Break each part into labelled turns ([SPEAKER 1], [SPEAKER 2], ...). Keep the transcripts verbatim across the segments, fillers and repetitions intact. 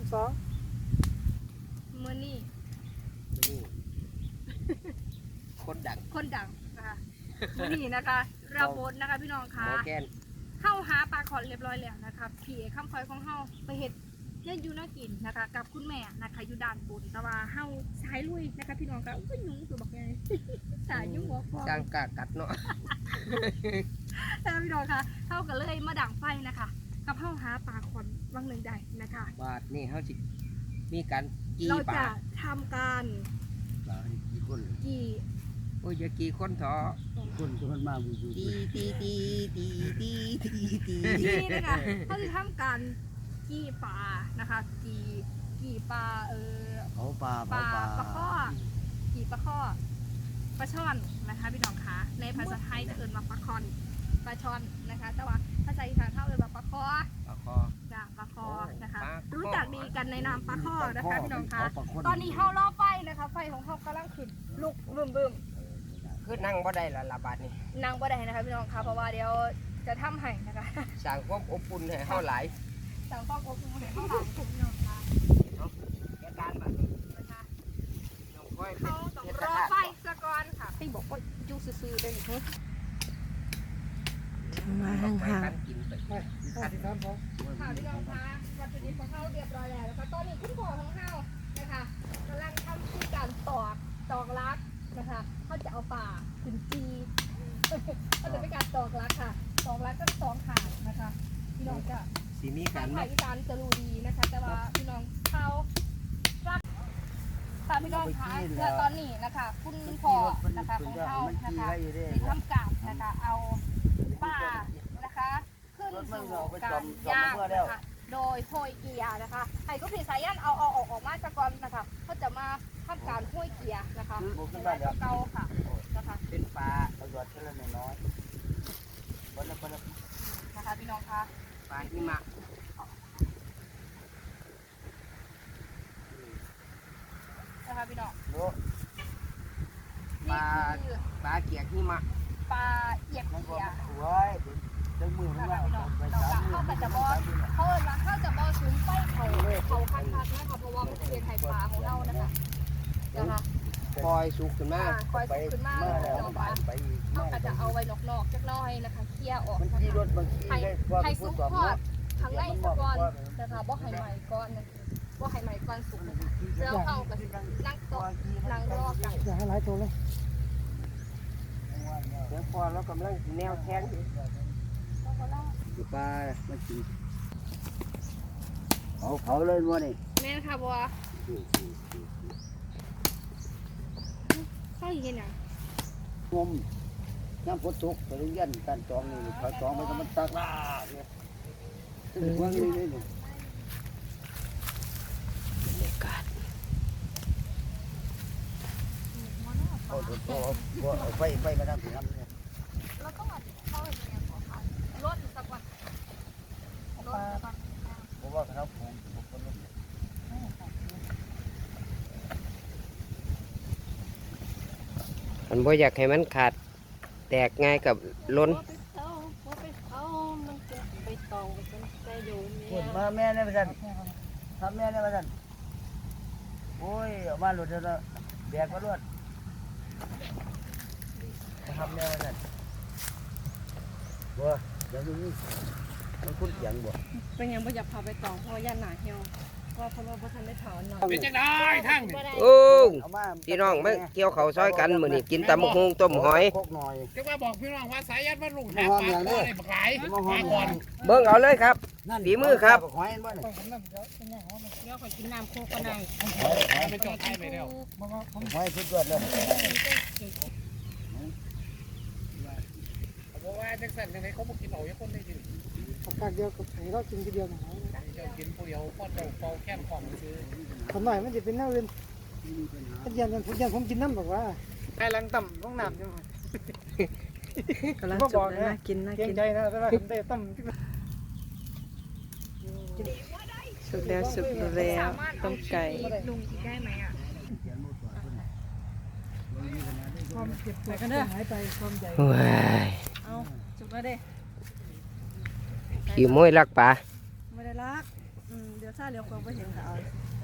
[SPEAKER 1] สอง
[SPEAKER 2] มื้อนี้
[SPEAKER 3] คนดัง
[SPEAKER 2] คนดังนะคะมื้อนี้นะคะเราโพสนะคะพี่น้องคะเข้าหาปลาขอนเรียบร้อยแล้วนะคะพี่เอคำคอยของเฮาไปเฮ็ดเยอะอยู่น่ากินนะคะกับคุณแม่นะคะอยู่ด้านบนแต่ว่าเฮาสายลุยนะคะพี่น้องคะอุ้ยยุงตัวบักใหญ่สายยุงหัวฟอง
[SPEAKER 3] สร้างกากัดเนาะ
[SPEAKER 2] แต่พี่น้องคะเฮาก็เลยมาดังไฟนะคะกับเฮาหาปลาขอนวังหนึ่งใดนะคะ
[SPEAKER 3] บาทนี่เฮาสิมีการกี่
[SPEAKER 2] เรา
[SPEAKER 3] ปลา
[SPEAKER 2] จะทำการ
[SPEAKER 3] กี่คน
[SPEAKER 2] กี่
[SPEAKER 3] โอ้ยอย่ากี่คนเถอะ
[SPEAKER 1] คนจะมันมาบูดู
[SPEAKER 3] ตีตีตีตีตีตีตี
[SPEAKER 2] กี่นะคะเขาจะทำการกี่ปลานะคะกี่กี่ปลาเออ
[SPEAKER 1] เขาปลา
[SPEAKER 2] ปลาปลาข้อกี่ปลาข้อปลาช่อนนะคะพี่น้องคะในภาษาไทยจะเอ่ยมาปลาคอนปลาช่อนนะคะแต่ว่าภาษาอีสานเขาเอ่ยมาปลาข้อ
[SPEAKER 3] ปลาข้อ
[SPEAKER 2] จ้ะปลาคอนะคะรู้จักดีกันในนามปลาข้อนะคะพี่น้องคะตอนนี้เฮาล่อไฟนะคะไฟของเฮากำลังขึ้นลุกบึ้มบึ้ม
[SPEAKER 3] คือนั่งบ่ได้ละละบาทนี่
[SPEAKER 2] นั่งบ่ได้นะคะพี่น้องคะเพราะว่าเดี๋ยวจะทำให้นะคะ
[SPEAKER 3] สร้างความอบอุ่นให้เฮาหลาย
[SPEAKER 2] สร้างความอบอุ่นให้เฮาหลายพี่น้องคะ
[SPEAKER 3] เนาะแก่การบัดนี้นะคะน้องค่อย
[SPEAKER 2] เขาต้องรอไฟซะก่อนค่ะพี่บอกว่าอยู่ซื่อๆได้นี่
[SPEAKER 4] มาห่างๆ
[SPEAKER 3] กินไป
[SPEAKER 1] ข้าวที่น้ำพอ
[SPEAKER 2] ข่าวที่เราพาวัตถุดิบของเขาเรียบร้อยแล้วนะคะตอนนี้คุณพ่อของเขานะคะกำลังทำที่การตอกตอกลักนะคะเขาจะเอาป่าถึงจีเขาจะเป็นการตอกลักค่ะตอกลักก็สองขานะคะพี่น้องจะ
[SPEAKER 3] สีมีกั
[SPEAKER 2] ทาน งภาคอีสานจะรู้ดีนะคะแต่ว่าพี่น้องเขารักตามพี่น้องคะเพื่อตอนนี้นะคะคุณพ่อนะคะของเขานะคะที่ทำการนะคะเอาป่านะคะขึ้นสู่การย่างนะคะโดยโพยเกียร์นะคะไอ้ก็ผีสายยันเอาเอาออกออกมาจากก่อนนะคะเขาจะมาทำการโพยเกียร์นะคะเป็นลายเก่าค่ะนะคะ
[SPEAKER 3] เป็นปลา
[SPEAKER 1] ประโยชน์แค่ละน้อยคนละคนละ
[SPEAKER 2] นะคะพี่น้องคะ
[SPEAKER 3] ปลาหิมะ
[SPEAKER 2] นะคะพี่น้อง
[SPEAKER 3] ปลาปลาเกียกหิมะ
[SPEAKER 2] ปลาเอียกเกียร์
[SPEAKER 1] โอ้ยดึงมือ
[SPEAKER 2] นะคะพี่น้องเราเขาก็จะบอเขาเขาจะบอซุ้มไฟเขาเขาคันคันนะคะเพราะว่ามันเป็นไข่ปลาของเรานะคะนะคะ
[SPEAKER 3] คอยสุกขึ้นมา
[SPEAKER 2] คอยสุกขึ้นมาแล้วเขาก็จะเอาไว้นอกๆจักน้อยนะคะเคี่ยออกนะคะให้สุกทอดข้างในสักก่อนนะคะบ่ให้ใหม่ก่อนบ่ให้ใหม่ก่อนสุกนะคะแล้วเขาก็นั่งโต๊ะนั่งรอกัน
[SPEAKER 1] อย่าให้หลายตัวเลย
[SPEAKER 3] เดี๋ยวพอเรากำลังแนวแทงอยู่อยู่ปลามันกิน
[SPEAKER 1] เขาเขาเลยวัวนี่
[SPEAKER 2] แม่ค่ะบัวเขาเห็นอย่าง
[SPEAKER 1] งมน้ำฝนตกไปเรียนการจองนี่เขาจองไปก็มันตากลาเนี่ยถึงวัวนี่เลยเนี่ยเอาเอาเอาไฟไฟมาทำถึงน้ำเนี่ย
[SPEAKER 2] เราต้องเขาเห็นอย่างของเขาลดสักวันลดสักวัน
[SPEAKER 1] เพราะว่าเขาผมผมคนลด
[SPEAKER 3] มันบ่อยากให้มันขาดแตกง่ายกับล้น
[SPEAKER 1] คนมาแม่เนี่ยมาสั่นทำแม่เนี่ยมาสั่นโอ้ยออกมาหลุดแล้วแบกมาลวดทำแม่มาสั่นบัวเดี๋ยวนี้มันคุ้นเสียงบัว
[SPEAKER 4] เป็นยังไม่อยากพาไปต่อเพราะย่านหนาเหี่ยวเพราะเพราะว่าพระท่านได้ถอนหน่อย
[SPEAKER 3] เป็นจังได้ทั้งโอ้พี่น้องมาเกี่ยวเขาซอยกันมื้อนี้กินตำบักหุ่งต้มหอย
[SPEAKER 5] จะว่าบอกพี่น้องว่าสายยันว่าลุงหาปลาก่อนบักหลายมาก่อน
[SPEAKER 3] เบิ่งเอาเลยครับฝีมือครับ
[SPEAKER 1] หอยบ่นี่
[SPEAKER 4] เดี๋ยวขอกินน้ำโคกก็ได้
[SPEAKER 5] เป็นจอดไทยไปแล้ว
[SPEAKER 1] หอยสุดยอดเลย
[SPEAKER 5] เพราะว่าจังสันจังไงเขาบอกกินเอาอย่างคนได้กิน
[SPEAKER 1] ปากเดียวกับไข่เรากินทีเดียวหน่อย
[SPEAKER 5] เจ้ากินผู้เดียวพ่อเจ้าเฝ้าแค้นของซื้อ
[SPEAKER 1] ทำหน่อยมันจะเป็นแนวอื่นถ้ายันผมยันผมกินน้ำบอกว่า
[SPEAKER 5] ไอ้ลังต่ำต้องน้ำยังไง
[SPEAKER 4] กำลังจุกเลยนะกินนะกิน
[SPEAKER 5] ใจนะแต่ว่าเตะต่ำ
[SPEAKER 4] สุกแล้วสุกแล้วต้มไก่
[SPEAKER 2] ลุงกินได้ไหมอ่ะ
[SPEAKER 4] ความเจ็บปวดกันเด้อหายไปความใหญ่เอาจุกแล้วเด้
[SPEAKER 3] ขี่มวยลักปลา
[SPEAKER 4] ไม่ได้รักเดี๋ยวซาเดี๋ยวคงไปเห็นค่ะเอา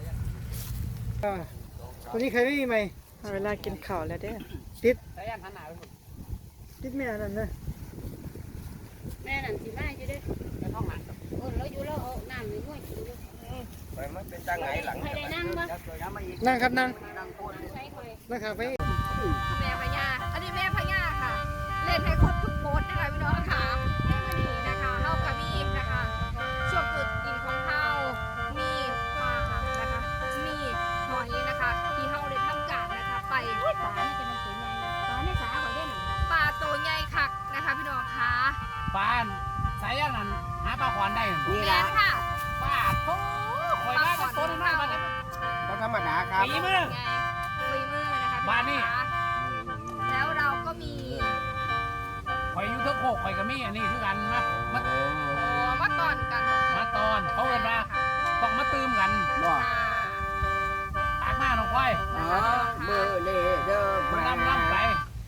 [SPEAKER 6] ตัวนี้ใครไม่มีไหม
[SPEAKER 4] เวลากินข้าวแล้วเด้อ
[SPEAKER 6] ติด
[SPEAKER 5] สายยันหันหน้าไป
[SPEAKER 6] ติดแม่นั่นนะ
[SPEAKER 7] แม่นั่นสิมาอยู่เด้อ
[SPEAKER 5] ในห้องหลัง
[SPEAKER 7] โอ้เราอยู่แล้วเอาน้ำนี่ห้วยกินอยู่
[SPEAKER 3] ไปมันเป็นจังไงหลัง
[SPEAKER 7] ใครได้นั่งบ่
[SPEAKER 6] นั่งครับนั่ง
[SPEAKER 7] ใช้คอย
[SPEAKER 6] นั่งครับไป
[SPEAKER 2] แม่พญาอันนี้แม่พญาค่ะ เล่นให้ครบทุกโพสนะคะพี่น้องค่ะแม่มณีนะคะเฮากับมีนะคะช่วงจุดกินของเฮามีปลานะคะ มีหอยนะคะ ที่เฮาได้ทำการนะคะ ไป
[SPEAKER 7] ปลานี่จะมันตัวใหญ่ปลาในสาข่อยเด่น
[SPEAKER 2] ปลาตัวใหญ่คักนะคะ พี่น้องค่ะ
[SPEAKER 5] บ้านสายยันนั่นหาปลาขวานได้
[SPEAKER 3] นี่
[SPEAKER 2] แม่
[SPEAKER 3] ละ
[SPEAKER 2] ค่ะ
[SPEAKER 5] ป้าโถ่คอยได้ต้นมากมัน
[SPEAKER 3] ก็ธรรมดาครับ
[SPEAKER 5] ปีมือ
[SPEAKER 2] ไงคุยมือนะคะพี่
[SPEAKER 5] บ้านนี่
[SPEAKER 2] องค่ะแล้วเราก็มี
[SPEAKER 5] คอยอยู่เทั้งโคกคอยกับมี่อันนี้คือกันนะมา
[SPEAKER 2] โอ้มาตอนกัน
[SPEAKER 5] มาตอนเขาเอินว่าต้องมาตื่มกัน
[SPEAKER 3] บ่
[SPEAKER 5] ตากมาน้องควาย
[SPEAKER 3] อ๋อเบอร์เลเดอร์
[SPEAKER 5] มัน
[SPEAKER 3] มา
[SPEAKER 5] น้ำน้ำไป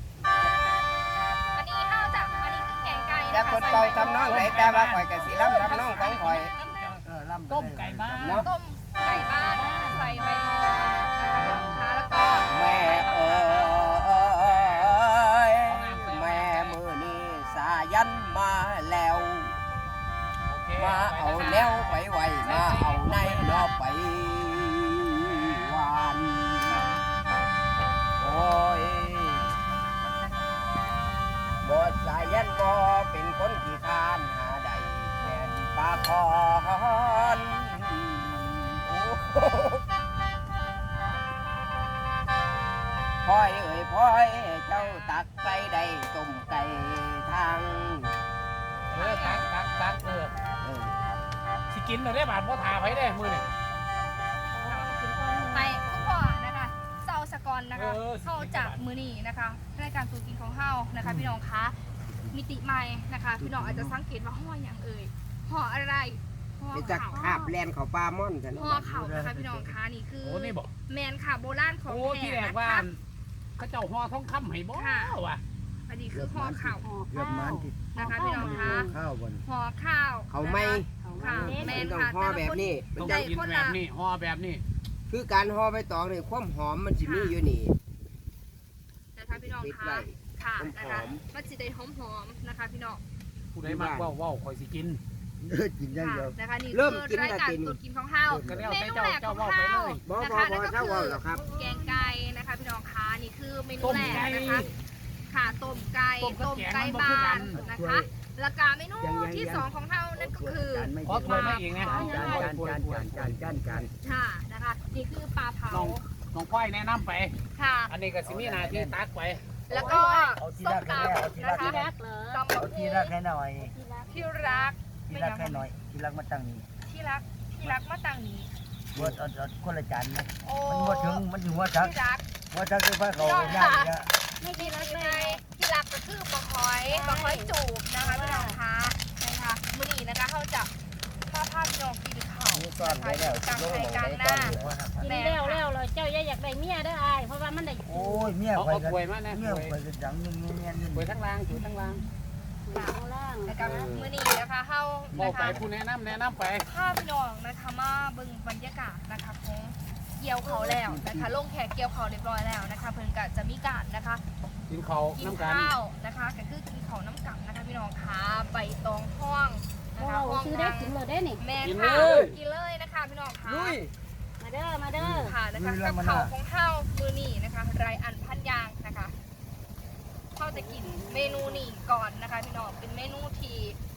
[SPEAKER 2] อันนี้เฮาจากอันนี้คือแกงไก่
[SPEAKER 3] แต่
[SPEAKER 2] นะคะ
[SPEAKER 3] คนเป่าทำน้องไหนแต่ว่าข่อยกับสีล้ำทำน้องของข่อย
[SPEAKER 5] ต้มไก่บ้าน
[SPEAKER 3] เนาะ
[SPEAKER 2] ต้มไก่บ้านใส่ใบมอนนะคะแล้วก็
[SPEAKER 3] แม่เอ๋ยแม่มือนี้สายันมาแล้ว มาเอาแนวไปไว้มาเอาในนอไปหวานโอ้ยบทสายันบ่เป็นคนขี้คร้านหาใดแม่นปลาคอนโอ้โหพ่อยเอ้ยพ่อยเจ้าตักไปได้ต้มไก่ทาง
[SPEAKER 5] เออตักตักตักเออ
[SPEAKER 3] เออ
[SPEAKER 5] สิกินเลยได้บาทพ่อทาไปได้มือนี่
[SPEAKER 2] ไปทุกพ่อนะคะเซาสกอนนะคะ
[SPEAKER 5] เออ
[SPEAKER 2] เข้าจากมือนี่นะคะรายการตูกินของเฮานะคะพี่น้องคะมิติใหม่นะคะ พี่น้องอาจจะสังเกตว่าห่ออย่างเอ่ยห่ออะไรห่อ
[SPEAKER 3] ไปจัก
[SPEAKER 2] เขา
[SPEAKER 3] คาบแลนเขาปลาม่อนกัน
[SPEAKER 2] ห่อเขานะคะพี่น้องคะนี่คือ
[SPEAKER 5] โอ้นี่บอก
[SPEAKER 2] แมนค่ะโบราณของ
[SPEAKER 5] โอ้
[SPEAKER 2] แท้
[SPEAKER 5] ที่แรก
[SPEAKER 2] นะ
[SPEAKER 5] ว่า
[SPEAKER 2] คะ
[SPEAKER 5] เขาเจ้าห่อทองคำให้บ่วะ
[SPEAKER 2] อันนี้คือห่อเขา
[SPEAKER 1] เกือบมันที่
[SPEAKER 2] นะคะพี่น้องคะ
[SPEAKER 1] ข้าวบน
[SPEAKER 2] ห่อข้าว
[SPEAKER 3] เขาไม่
[SPEAKER 2] ค่ะแม
[SPEAKER 3] เป็น
[SPEAKER 2] น
[SPEAKER 3] ต้อง
[SPEAKER 2] ค่ะ
[SPEAKER 3] ห่อแบบนี้มัน
[SPEAKER 5] ต้อง
[SPEAKER 3] จะ
[SPEAKER 5] กินแบบนี้ห่อแบบนี้
[SPEAKER 3] คือการห่อใบตองนี่ความหอมมันสิมีอยู่นี่
[SPEAKER 2] นะคะพี่น้อง
[SPEAKER 3] ปิด
[SPEAKER 2] คะ
[SPEAKER 3] ไว้
[SPEAKER 2] ค่ะ
[SPEAKER 3] หอมๆ
[SPEAKER 2] นะคะมันจะได้หอมๆนะคะพี่น้อง
[SPEAKER 5] ผู้ใดมากว่าว่าคอยสิกิน
[SPEAKER 1] เออกินอย่าง
[SPEAKER 2] ค่ะ
[SPEAKER 1] เดียว
[SPEAKER 2] นะคะนี่
[SPEAKER 3] เริ่ม
[SPEAKER 2] คือ
[SPEAKER 3] กิน
[SPEAKER 2] ราย
[SPEAKER 3] แล้ว
[SPEAKER 2] การ
[SPEAKER 3] กิน
[SPEAKER 2] ตูกินของเฮา
[SPEAKER 5] ก็แล้ว
[SPEAKER 2] เม
[SPEAKER 5] แต่
[SPEAKER 2] นู
[SPEAKER 5] เจ้า
[SPEAKER 2] แรกข
[SPEAKER 5] เจ้า
[SPEAKER 2] อง
[SPEAKER 5] เว้าไป
[SPEAKER 2] เฮา
[SPEAKER 5] เลย
[SPEAKER 3] บ่
[SPEAKER 2] นะ
[SPEAKER 3] บ่
[SPEAKER 2] คะ
[SPEAKER 3] บ่
[SPEAKER 2] นั่นก็
[SPEAKER 3] เจ้า
[SPEAKER 2] คื
[SPEAKER 3] เว่า
[SPEAKER 2] อ
[SPEAKER 3] หรอกครับ
[SPEAKER 2] แกงไก่นะคะพี่น้องคะนี่คือเมนู
[SPEAKER 5] ต้ม
[SPEAKER 2] แรก
[SPEAKER 5] ไก่
[SPEAKER 2] นะคะค่ะต้มไก่
[SPEAKER 5] ต้มกับ
[SPEAKER 2] ต้ม
[SPEAKER 5] แกง
[SPEAKER 2] ไก่
[SPEAKER 5] มันบ่คือ
[SPEAKER 2] บ้า
[SPEAKER 5] กัน น
[SPEAKER 2] นะคะแล้วก็เมนูที่สองของเฮานั่นก็คือ
[SPEAKER 1] จานไม่
[SPEAKER 5] ขอถ้วยมาอีกนะ
[SPEAKER 1] จานจานจานจานจานจานจาน
[SPEAKER 2] ค่ะนะคะนี่คือปลาเผา
[SPEAKER 5] น้องน้องควายแนะนำไป
[SPEAKER 2] ค่ะ
[SPEAKER 5] อันนี้ก็สิมีหน้าที่ตักไป
[SPEAKER 2] แล้วก็
[SPEAKER 1] เอาที
[SPEAKER 2] ส้
[SPEAKER 1] ละ
[SPEAKER 2] ม
[SPEAKER 1] แค่
[SPEAKER 2] ตำ
[SPEAKER 1] เอาทีละ
[SPEAKER 2] นะคะ
[SPEAKER 1] แค่
[SPEAKER 7] รักเหรอ
[SPEAKER 2] ตำ
[SPEAKER 1] เอา
[SPEAKER 2] บัก
[SPEAKER 1] ที
[SPEAKER 2] หุ่
[SPEAKER 1] ละ
[SPEAKER 2] ง
[SPEAKER 1] แค่หน่อย
[SPEAKER 2] ที่รัก
[SPEAKER 1] ทีละแค่หน่อยทีละมาตั้งนี่
[SPEAKER 2] ที่รักที่รักมาตั้งนี้
[SPEAKER 1] บดเอาเอาคนละจานนะ
[SPEAKER 2] โอ้
[SPEAKER 1] มันบ่ถึงมันถึงว่าทัก
[SPEAKER 2] ที่รัก
[SPEAKER 1] ว่าทักคือพระเขาไปย่างเนี่ย
[SPEAKER 2] ไม่ที่รักไงที่รักก็คือปลาหอยปลาหอยจูบนะคะพี่น้องคะนะคะมื้อนี้นะคะเขาจะมาพาพี่น้องกินข้าว
[SPEAKER 1] มีก้อนไว้แล้ว
[SPEAKER 2] กลาง
[SPEAKER 1] โล
[SPEAKER 2] ไทย
[SPEAKER 1] ก
[SPEAKER 2] กลาง
[SPEAKER 1] ไว้
[SPEAKER 2] ห
[SPEAKER 1] ก้อ
[SPEAKER 2] น้าน
[SPEAKER 1] อยู่ว่าครับ
[SPEAKER 7] กินแล้วแล้วเลยเจ้าอย่าอยากได้เมียเด้ออายเพราะว่ามันได้
[SPEAKER 1] โอ้ยเมีย
[SPEAKER 5] เอา
[SPEAKER 1] ไป
[SPEAKER 5] เอา
[SPEAKER 1] กัน
[SPEAKER 5] ถ้วยมานะ
[SPEAKER 1] เมีย
[SPEAKER 5] ถ้วย
[SPEAKER 1] ไปกันจังนึงเมียนึง
[SPEAKER 5] ถ้วยทั้งล่างถ้วยทั้งล่าง
[SPEAKER 7] หลังล่าง
[SPEAKER 2] นะคะมื้อนี้นะคะเฮา
[SPEAKER 5] บอ
[SPEAKER 2] นะ
[SPEAKER 5] กไป
[SPEAKER 2] คะ
[SPEAKER 5] ผู้แนะนำแนะนำไป
[SPEAKER 2] พาพี่น้องนะคะมาเบิ่งบรรยากาศนะคะของเกี่ยวเขาวแล้วนะคะลงแขกเกี่ยวเขาวเรียบร้อยแล้วนะคะ เพิ่นก็จะมีการนะคะ
[SPEAKER 5] กินข้าว
[SPEAKER 2] กิน
[SPEAKER 5] น้ำกัน
[SPEAKER 2] ข้าวนะคะก็คือกินข้าวน้ำกันะคะพี่น้องคะใบตองห้องนะ
[SPEAKER 7] โอ้
[SPEAKER 2] คะห้อง
[SPEAKER 7] ซื้อได้กินเลยได้นี่
[SPEAKER 2] แม่
[SPEAKER 5] กิน
[SPEAKER 2] ค่ะ
[SPEAKER 5] เลย
[SPEAKER 2] กินเลยนะคะพี่น้องคะ
[SPEAKER 3] ลุย
[SPEAKER 7] มาเด้อมาเด้อ
[SPEAKER 2] ค่ะนะคะกับข้าวของข้าวมือนี่นะคะไรอันพันยางนะคะข้าวจะกินเมนูนี่ก่อนนะคะพี่น้องเป็นเมนูที่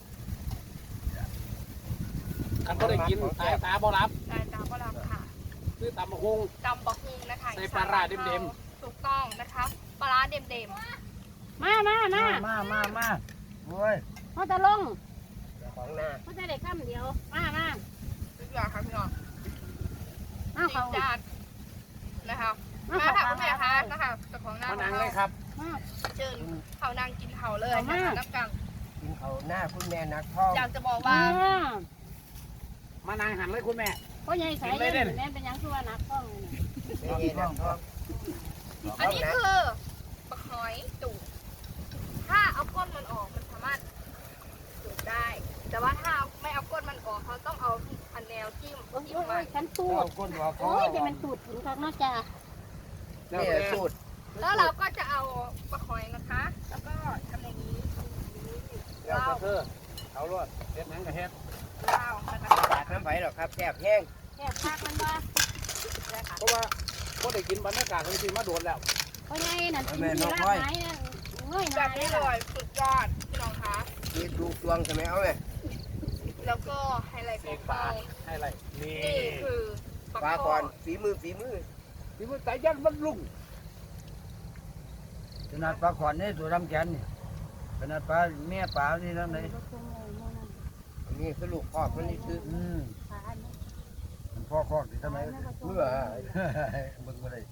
[SPEAKER 5] คันก็ได้กินตายตาบ่รับ
[SPEAKER 2] ตาตาก็รับค่ะ
[SPEAKER 5] คือตำบักฮง
[SPEAKER 2] ตำบะฮุงนะคะ
[SPEAKER 5] ใส่ปลาร้าเด็ม
[SPEAKER 2] ถูกต้องนะคะปลาร้าเด็ม
[SPEAKER 7] มามามา
[SPEAKER 1] มามามาโอ้ย
[SPEAKER 7] เขาจะลง
[SPEAKER 3] ของหน้า
[SPEAKER 7] เขาจะได้คำเดียวมามา
[SPEAKER 2] ๆทุกอย่างค่ะพี่น้อง
[SPEAKER 7] มาเขา
[SPEAKER 2] จานนะคะ
[SPEAKER 7] มา
[SPEAKER 2] มา
[SPEAKER 7] เขา
[SPEAKER 2] ค่ะคุณแม่คะนะคะเจ้าของหน้า
[SPEAKER 5] มานั่งเลยครับ
[SPEAKER 7] มา
[SPEAKER 2] เชิญเขานั่งกินเขาเลยนะคะน้ำกัน
[SPEAKER 3] กินเขาหน้าคุณแม่นักท่อง
[SPEAKER 2] อยากจะบอก
[SPEAKER 7] มา
[SPEAKER 2] ว่า
[SPEAKER 5] มานั่งหันเลยคุณแม่
[SPEAKER 7] เพราะใหญ่สายเย็นแม่เป็นยังคือว่านักต้อง
[SPEAKER 3] ไม่เย็นนักท่อง
[SPEAKER 2] อันนี้คือปลาหอยจุกถ้าเอาก้นมันออกมันสามารถจุกได้ แต่ว่าถ้าไม่เอาก้นมันออกเขาต้องเอาอันแนววจิ้ม
[SPEAKER 7] โอ้ย
[SPEAKER 2] จิ้ม
[SPEAKER 7] โอ้ย
[SPEAKER 2] มา
[SPEAKER 7] ฉันตูด
[SPEAKER 1] ก้นว่าเขา
[SPEAKER 7] โอ้ยจะมันตูดถึงข้างนอกจ้า
[SPEAKER 3] นี่สูตร
[SPEAKER 2] แล้วเราก็จะเอาปลาหอยนะคะ แล้วก็ทำอย่างนี้
[SPEAKER 5] เดี๋ยวเธอเอารวดเฮ็ดหนังกับเฮ็ด
[SPEAKER 2] ลาวนะคะ
[SPEAKER 3] ปากน้ำไผ่หรอกครับแซ่บแห้ง
[SPEAKER 7] แค่พักมันว่า
[SPEAKER 2] ได้ค่ะ
[SPEAKER 5] เพราะว่าก็ได้กินบรรยากาศจริงๆมาโดนแล้ว
[SPEAKER 7] เพราะไงนั่นกินที่รากไม้นั่นเงยห
[SPEAKER 2] แบ
[SPEAKER 7] น้า
[SPEAKER 2] บ
[SPEAKER 7] เล
[SPEAKER 2] นี้
[SPEAKER 7] ย
[SPEAKER 2] อร่อยสุดยอดพี่น้องคะ
[SPEAKER 3] นี่ดูดวงใช่ไหมเอาไหม
[SPEAKER 2] แล้วก็ไฮไลท์ของเรา
[SPEAKER 5] ให้อะไรนี่
[SPEAKER 2] นี่คือ
[SPEAKER 3] ปลาก่อนฝีมือฝีมือ
[SPEAKER 5] ที่มันสายยันมันลุง
[SPEAKER 1] ขนาดปลาขวานนี่ตัวดำแขนนี่ขนาดปลาแม่ปลานี่นั่นเลย
[SPEAKER 3] นี่คือลูกคอกมันนี่คือ
[SPEAKER 1] อืมมันพ่อคอกที่ทำไม
[SPEAKER 3] เมื่อ
[SPEAKER 1] เบิ่งบ่ได้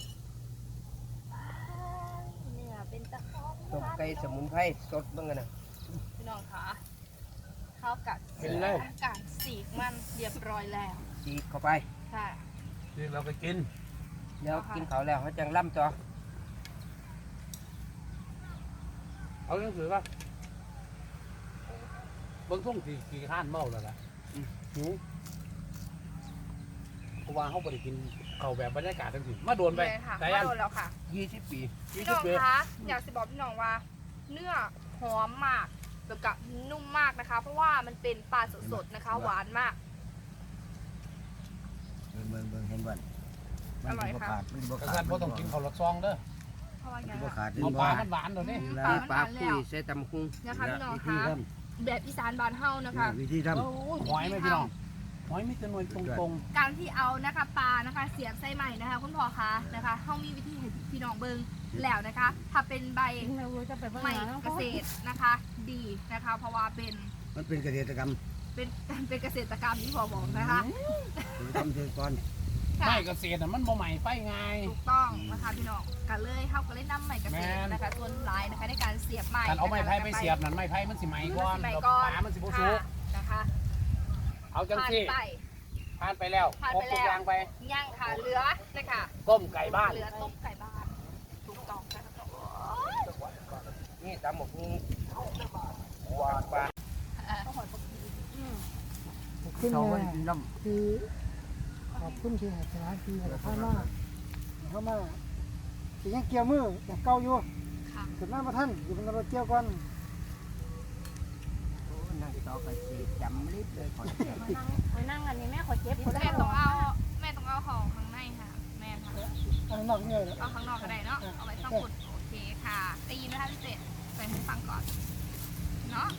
[SPEAKER 2] เนี่ยเป็นตะขอ
[SPEAKER 3] ต้มไก่สมุนไพรสดบ้างกันนะ
[SPEAKER 2] พี่น้องคะเข้ากัดกัดสีกมันเรียบร้อยแล้ว
[SPEAKER 3] จีบเข้าไป
[SPEAKER 2] ค่ะ
[SPEAKER 5] ที่เราไปกิน
[SPEAKER 3] เดี๋ยวกินเขาวแล้วเขาจังล่ำต่อ
[SPEAKER 5] เอาหนังสือป่ะเบิ่งทุ่งสี่กี่ข้านเมาแล้วล่ะหิวเพราะว่าเขาไปกินเขาแบบบรรยากาศทั้งสิ้นมาโดนไป
[SPEAKER 2] เลยค่ะ
[SPEAKER 5] สายยัน
[SPEAKER 2] มาโดนแล้วค่ะ
[SPEAKER 3] ยี่สิบปี
[SPEAKER 2] พี่น้องคะอยากจะบอกพี่น้องว่า เนื้อหอมมากแล้วก็นุ่มมากนะคะ เพราะว่ามันเป็นปลาสดๆนะคะ หวานมาก
[SPEAKER 1] เบิ่งเบิ่งเบิ่งเห็นบ่
[SPEAKER 2] อร่อยค่ะ
[SPEAKER 1] ขาดมันบ่
[SPEAKER 5] กระ
[SPEAKER 1] ขา
[SPEAKER 5] สั
[SPEAKER 1] ด
[SPEAKER 5] นพ่ต้องกินข้าวรสซองเด้อ
[SPEAKER 2] เพราะว่าไง
[SPEAKER 1] บ่
[SPEAKER 2] คะ
[SPEAKER 1] ขาด
[SPEAKER 5] เอาปลามันหวานตัวนี้
[SPEAKER 2] อืม
[SPEAKER 3] แล้วปลาคุยใส่ตำคุ้ง
[SPEAKER 2] นะคะพี่น้อง
[SPEAKER 1] วิธี
[SPEAKER 2] คะ
[SPEAKER 1] ท
[SPEAKER 2] แบบอีสานบ้านเฮานะคะ
[SPEAKER 1] ำวิธีทำ
[SPEAKER 5] โอ้ยหอยไหมพี่น้องหอยมีจำนวนตรง
[SPEAKER 2] การที่เอานะคะปลานะคะเสียบไส้ใหม่นะคะคุณพ่อคะนะคะเฮามีวิธีให้พี่น้องเบิ่งแล้วนะคะ ถ้าเป็นใบ
[SPEAKER 4] เราจะไปเบิ่ง
[SPEAKER 2] ใหม่
[SPEAKER 4] หา
[SPEAKER 2] เกษตรนะคะ ดีนะคะ เพราะว่าเป็น
[SPEAKER 1] มันเป็นเกษตรกรรม
[SPEAKER 2] เป็นเป็นเกษตรกรรมที่พ่อบอกนะคะ
[SPEAKER 1] ทำเชิงก่อน
[SPEAKER 5] ๆ
[SPEAKER 2] ค่ะ
[SPEAKER 5] ไม่เกษตรน่ะมันบ่ใหม่ไปไง
[SPEAKER 2] ถูกต้องนะคะพี่น้องกันเลยเข้ากันเลยนำใหม่เกษตรนะคะส่วนหลายนะคะในการเสียบใหม่
[SPEAKER 5] การเอาไม้ไผ่ไปเสียบนั่นไม้ไผ่มันสิไหมก่อน
[SPEAKER 2] ใหม่
[SPEAKER 5] แล้ว
[SPEAKER 2] ก่อน
[SPEAKER 5] ปลามันสิบ่สุก
[SPEAKER 2] นะคะ
[SPEAKER 5] เอาจัง
[SPEAKER 2] ผ่าน
[SPEAKER 5] ซี่
[SPEAKER 2] ไป
[SPEAKER 5] ผ่านไปแล้ว
[SPEAKER 2] ผ่าน
[SPEAKER 5] ครบ
[SPEAKER 2] ไป
[SPEAKER 5] ทุก
[SPEAKER 2] แล้ว
[SPEAKER 5] อย่างไป
[SPEAKER 2] ย่างค่ะเหลือนะคะ
[SPEAKER 5] ต้มไก่บ้าน
[SPEAKER 2] เหลือต้มไก่บ้านถูกต้องนะคะ
[SPEAKER 3] นี่ตำหมกนี่หวานปลา
[SPEAKER 4] ขึ้น
[SPEAKER 1] เขา
[SPEAKER 4] มา
[SPEAKER 1] ไม่กินน้
[SPEAKER 4] คือขอบคุณที่ให้สถานที่ให้เข้ามาเข้ามาสิยังเกี่ยวมืออย่างเก่าอยู่
[SPEAKER 2] ค่ะ
[SPEAKER 4] ขึ้นมาบ่ทันอยู่บนรถเกี่ยวก่อน
[SPEAKER 3] นั่งต่อไปสีจำลิบเลยก่อน
[SPEAKER 7] ไปนั่งอันนี้แม่ขอเจ็บคน
[SPEAKER 2] แม่
[SPEAKER 7] แรก
[SPEAKER 2] ต้องเอาแม่ต้องเอาของข้างในค่ะ แม่ค่ะ
[SPEAKER 4] อันนอกเนี่ยแหละ
[SPEAKER 2] เอาข้างนอกก็ได้เนาะเอาไว้ข้างบนโอเคค่ะได้ยินไหมคะพี่เศษใส่หูฟังก่อนเนาะ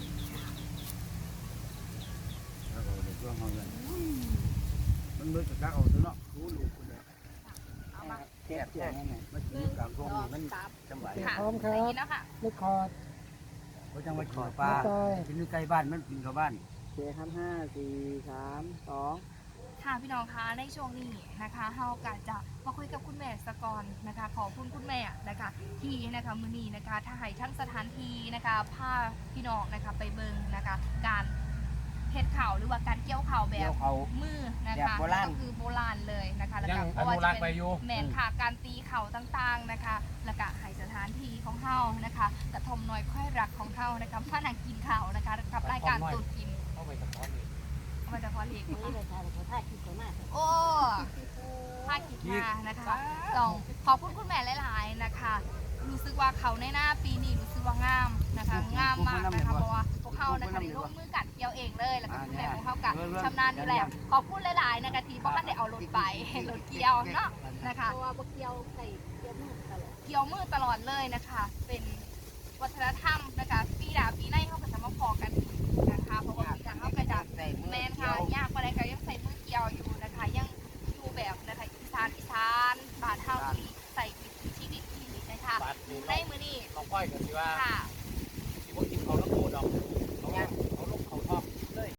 [SPEAKER 1] ำแล้วก็เด็กช่วงห้องเงินมันเบิดกระเอาตัวเนาะรู้ลูกคนเดียว
[SPEAKER 2] เอามา
[SPEAKER 1] แซ่บแซ่บมันกินกลางช่วงนี้มันจำไหว
[SPEAKER 2] ค่ะ
[SPEAKER 4] พร้อมครั
[SPEAKER 2] ได้
[SPEAKER 4] บ
[SPEAKER 2] ยินแล้วค่ะ
[SPEAKER 4] ลูกคอร์ด
[SPEAKER 1] เขาจังมาขอปลากินใกล้บ้านมันกินกับบ้าน
[SPEAKER 6] โอเคครับห้าสี่สามสอง
[SPEAKER 2] ค่ะพี่น้องคะในช่วงนี้นะคะเฮากะจะมาคุยกับคุณแม่สกอนนะคะขอบคุณคุณแม่นะคะที่นะคะมือนี้นะคะถ้าให้ทั้งสถานที่นะคะพาพี่น้องนะคะไปเบิงนะคะการเฮ็ดข่าวหรือว่าการเกี่ยวข่าวแบ
[SPEAKER 3] เดี๋ย
[SPEAKER 2] บ
[SPEAKER 3] วเขา
[SPEAKER 2] มือนะ
[SPEAKER 3] แบบ
[SPEAKER 2] คะ
[SPEAKER 3] โบราณ
[SPEAKER 2] ก็คือโบราณเลยนะคะแล้ว
[SPEAKER 5] ยั
[SPEAKER 2] ก็
[SPEAKER 5] ง
[SPEAKER 2] เพ
[SPEAKER 5] อ
[SPEAKER 2] ราะว่า
[SPEAKER 5] นุ
[SPEAKER 2] จะ
[SPEAKER 5] รักษ์ไป
[SPEAKER 2] เป็น
[SPEAKER 5] อยู่
[SPEAKER 2] แมนค่ะการตีเข่าต่างๆนะคะแล้วก็ให้สถานที่ของเฮานะคะกระทมน้อยค่อยรักของเฮานะคะมานั่งกินข่าวนะคะกับรายการตูดกิน
[SPEAKER 5] เข้าไปสะท้อนนี่
[SPEAKER 2] เอามาจากพอเล็ก
[SPEAKER 7] นี่เลยค่ะเขาถ่ายคลิปเขามาก
[SPEAKER 2] โอ้ภาคกิจมานะคะต้องขอบคุณคุณแม่หลายๆนะคะ รู้สึกว่าเขาในหน้าปีนี้รู้สึกว่างามนะคะงามมากนะคะเพราะว่าพวกเขานะคะได้ร่วมมือกันเกี่ยวเองเลยแล้วก็คุณแม่ของเขากับชำนาญอยู่แล้วขอบคุณหลายๆนะคะที่พ่อท่านได้เอารถไปรถเกี่ยวเนาะนะคะ
[SPEAKER 7] เพราะว่าบกเกียวใส่เกียวมือตลอด
[SPEAKER 2] เกี่ยวมือตลอดเลยนะคะ เป็นวัฒนธรรมนะคะปีดาปีในเขาก็จะมาพอกันอีกนะคะเพราะว่าปีดาเขาก็จะ
[SPEAKER 3] ใส่มือ
[SPEAKER 2] แมน
[SPEAKER 3] เกี่
[SPEAKER 2] ค่ะ
[SPEAKER 3] ยวย
[SPEAKER 2] ากกว่าใดก็ยังใส่มือเกี่ยวอยู่นะคะ ยังอยู่แบบนะคะอีสานอีสานบานเท่าที่ใส่วิถีชีวิตที่นะคะ
[SPEAKER 5] บาดนี่
[SPEAKER 2] ในมือนี้
[SPEAKER 5] น้องก้อยกันสิว่า
[SPEAKER 2] ค่ะ